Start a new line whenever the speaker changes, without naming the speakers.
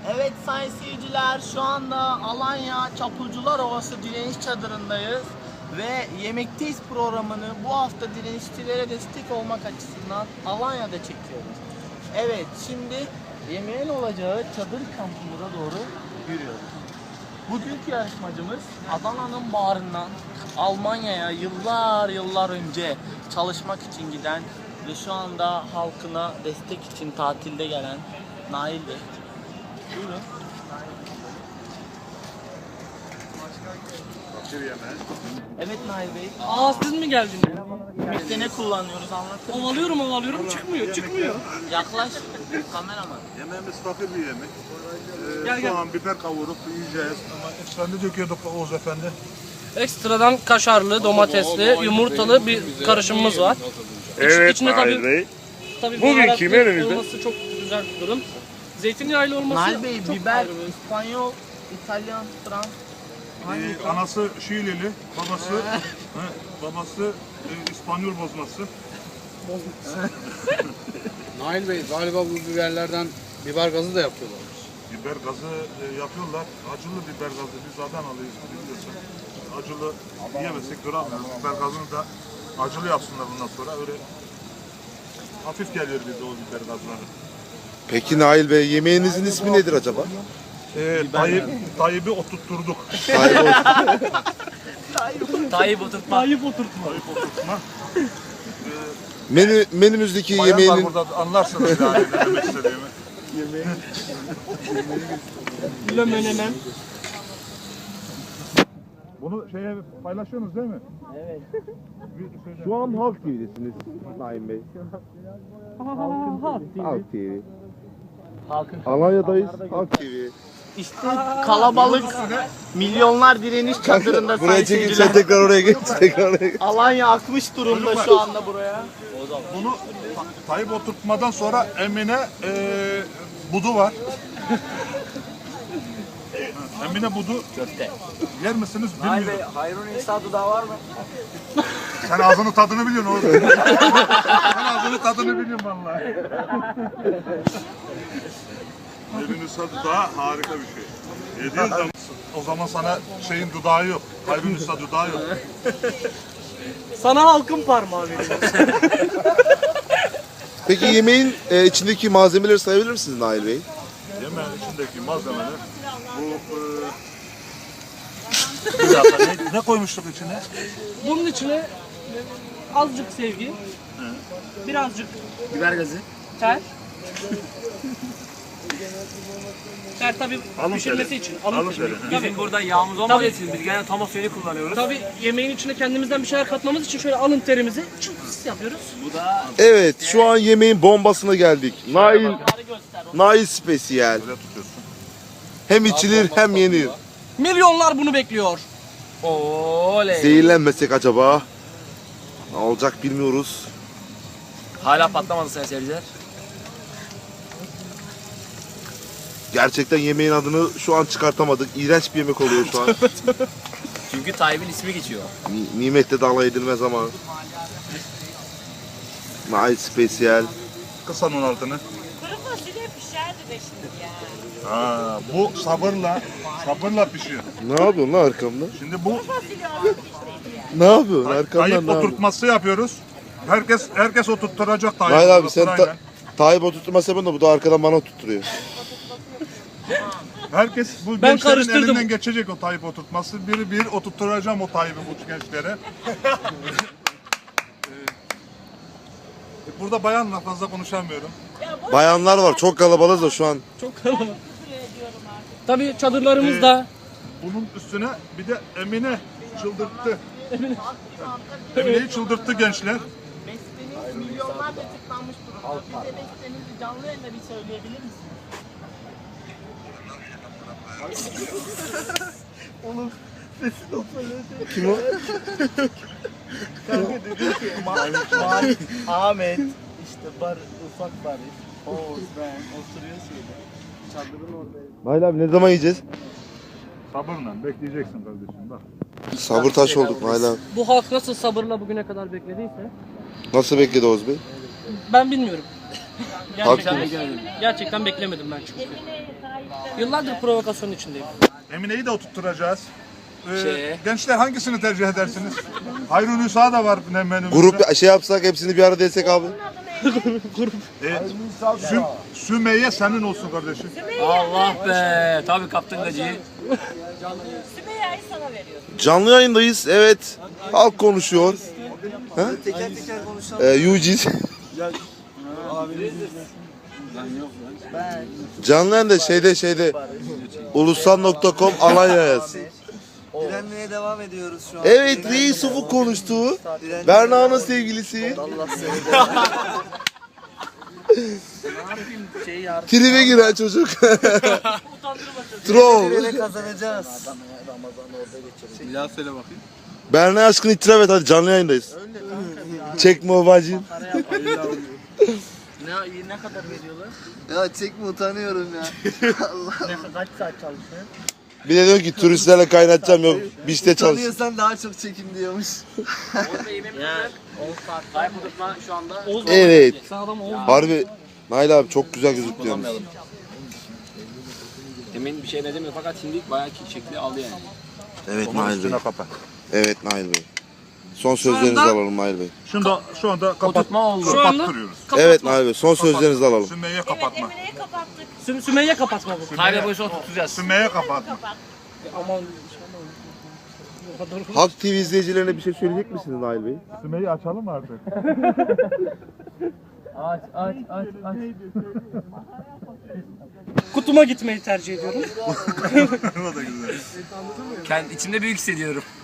Evet sayın seyirciler, şu anda Alanya Çapulcular Ovası Direniş Çadırı'ndayız ve Yemekteyiz programını bu hafta direnişçilere destek olmak açısından Alanya'da çekiyoruz. Evet, şimdi yemeğin olacağı çadır kampımıza doğru yürüyoruz. Bugünkü yarışmacımız Adana'nın bağrından Almanya'ya yıllar önce çalışmak için giden ve şu anda halkına destek için tatilde gelen Nail Bey. Buyurun. Evet Nail Bey.
Aa siz mi geldiniz?
Yemekte ne kullanıyoruz anlatın.
Ovalıyorum çıkmıyor.
Yaklaş kameraman.
Yemeğimiz fakir bir yemek.
Gel.
Soğan, biber kavurup yiyeceğiz. Ama ekstra ne döküyorduk Oğuz Efendi?
Ekstradan kaşarlı, domatesli, yumurtalı bir karışımımız var.
Evet,
İçinde
Nail Bey.
tabii
Bugün
baharatlı
kimin önünde?
olması çok güzel bir durum. Zeytinyağlı olması
Nail Bey
çok
biber,
ayrı.
İspanyol, İtalyan, Fransız.
Anası Şiilili, babası İspanyol bozması.
Nail Bey galiba bu biberlerden biber gazı da yapıyorlar.
Biber gazı yapıyorlar. Acılı biber gazı. Biz Adanalıyız biliyorsun. Acılı yiyemezsek duramıyoruz. Biber gazını da acılı yapsınlar bundan sonra. Öyle hafif geliyor bize o biber gazları.
Peki Nail Bey, yemeğinizin ismi nedir acaba?
Tayyip'i oturtturduk.
Tayyip oturtma.
Tayyip oturtma.
Tayyip oturtma.
Menümüzdeki
Bayanlar
yemeğinin
burada anlarsınız yani ne demek istediğimi.
Lömenemen.
Bunu şeye paylaşıyorsunuz değil mi?
Evet.
şu an Halk TV'desiniz Nail Bey. Halk TV.
Halkın
Alanya'dayız. Halk TV.
İşte kalabalık milyonlar direniş çadırında
Buraya
sayın
çekin,
seyirciler.
sen tekrar oraya geç. Tekrar oraya geç.
Alanya akmış durumda şu anda buraya.
Bunu Tayyip oturtmadan sonra Emine budu var. Emine budu
Köfte.
yer misiniz bilmiyorum.
Hayrun İsa dudağı var mı?
Sen ağzının tadını biliyorsun oğlum. Sen ağzının tadını biliyorsun vallahi. Emine dudağı harika bir şey. Yediğin zaman o zaman sana şeyin dudağı yok. Hayrun İsa dudağı yok.
Sana halkın parmağı veriyor.
Peki yemeğin içindeki malzemeleri sayabilir misiniz Nail Bey?
Yemeğin içindeki malzemeler bu bir dakika ne koymuştuk içine?
Bunun içine azıcık sevgi, birazcık
Biber gazı.
ter. Ter tabii
Alın
pişirmesi
teri.
için.
Alın teri.
Tabii.
Burada yağımız olmadığı için biz gene tam suyunu kullanıyoruz.
Tabii yemeğin içine kendimizden bir şeyler katmamız için şöyle alın terimizi çıps yapıyoruz.
Bu da
Evet, şu an yemeğin bombasına geldik. Nail
göster.
spesiyel.
Böyle tutuyorsun.
Hem içilir hem yenir.
Milyonlar bunu bekliyor.
Oley.
Zehirlenmesek acaba? Ne olacak bilmiyoruz.
Hala patlamadı sayın seyirciler.
Gerçekten yemeğin adını şu an çıkartamadık. İğrenç bir yemek oluyor şu an.
Çünkü Tayyip'in ismi geçiyor.
Nimette de alay edilmez ama. Nail spesiyel.
Kısan onun altını.
Kuru fasulye pişerdi de şimdi ya.
Ha, bu sabırla pişiyor.
Ne yapıyorsun lan arkamda?
Şimdi bu
Fasulye onun piştiydi ya.
Ne yapıyorsun arkamdan
Tayyip
ne yapıyorsun?
oturtması yapıyoruz. Herkes oturtturacak Tayyip.
Nail abi sen
sırayla.
Tayyip oturtma sebebin de bu da arkadan bana oturtturuyor.
Herkes bu
Ben
gençlerin
karıştırdım.
elinden geçecek o Tayyip oturtması. Bir oturtturacağım o Tayyip'i bu gençlere. Burada bayanla fazla konuşamıyorum.
Bayanlar var, çok kalabalığız da şu an.
Çok kalabalık. Tabii çadırlarımızda
Bunun üstüne bir de Emine çıldırttı. Emine'yi çıldırttı gençler.
Besteniz milyonlarca tıklanmış durumda. Bize bestenizi canlı yayında bir söyleyebilir misiniz? Oğlum sesi
Kim o?
kanka dedi ki Ahmet işte ufak Barış, Oğuz ben oturuyor şeyde. Çadırın oradayız.
Nail abi ne zaman yiyeceğiz?
Sabırla bekleyeceksin kardeşim bak.
Sabır taş olduk Nail abi.
bu halk nasıl sabırla bugüne kadar beklediyse
Nasıl bekledi Oğuz Bey?
ben bilmiyorum. Gerçekten beklemedim ben çünkü. Yıllardır provokasyon içindeyim.
Emine'yi de oturtturacağız. Gençler hangisini tercih edersiniz? Hayrun Nisa da var menümüzde.
Grup şey yapsak hepsini bir arada desek abi.
Sümeyye senin olsun kardeşim.
Allah be. Tabii kaptın gacıyı.
Sümeyye'yi sana veriyorum.
Canlı yayındayız. Evet. Halk konuşuyor. Ha?
Teker teker konuşalım.
Yujiz. Canlı yayında şeyde ulusal.com Alanya yaz.
Direnmeye devam ediyoruz şu an.
Evet, Reis Ufuk konuştu. Berna'nın sevgilisi.
Allah seni de.
Tribe giren çocuk. Troll.
Böyle kazanacağız.
Bir daha söyle bakayım.
Berna aşkını itiraf et hadi, canlı yayındayız. Çekme o bacım.
Ne kadar veriyorlar?
Ya çekme, utanıyorum ya.
Kaç saat çalışıyor?
Bir de diyor ki turistlerle kaynatacağım, yok işte çalış.
Utanıyorsan daha çok çekim diyormuş.
Şu anda
Evet. Harbi Nail abi çok güzel gözüküyor.
demin bir şey demiyor fakat şimdi bayağı şekli aldı yani.
Evet Nail Bey.
Kapat.
Evet Nail Bey. Son sözlerinizi alalım Nail Bey.
Şu anda
Oturtma oldu.
Şu anda
kapattırıyoruz.
Evet Nail Bey, son sözlerinizi alalım.
Sümeyye
Evet
kapatma.
Emine'yi kapattık.
Sümeyye kapatma bu.
Kayda boyusu oturtacağız.
Sümeyye kapatma.
Aman.
Halk TV izleyicilerine bir şey söyleyecek misiniz Nail Bey?
Sümeyye açalım mı artık?
Aç.
Kutuma gitmeyi tercih ediyorum.
O da güzel.
İçimde büyük hissediyorum.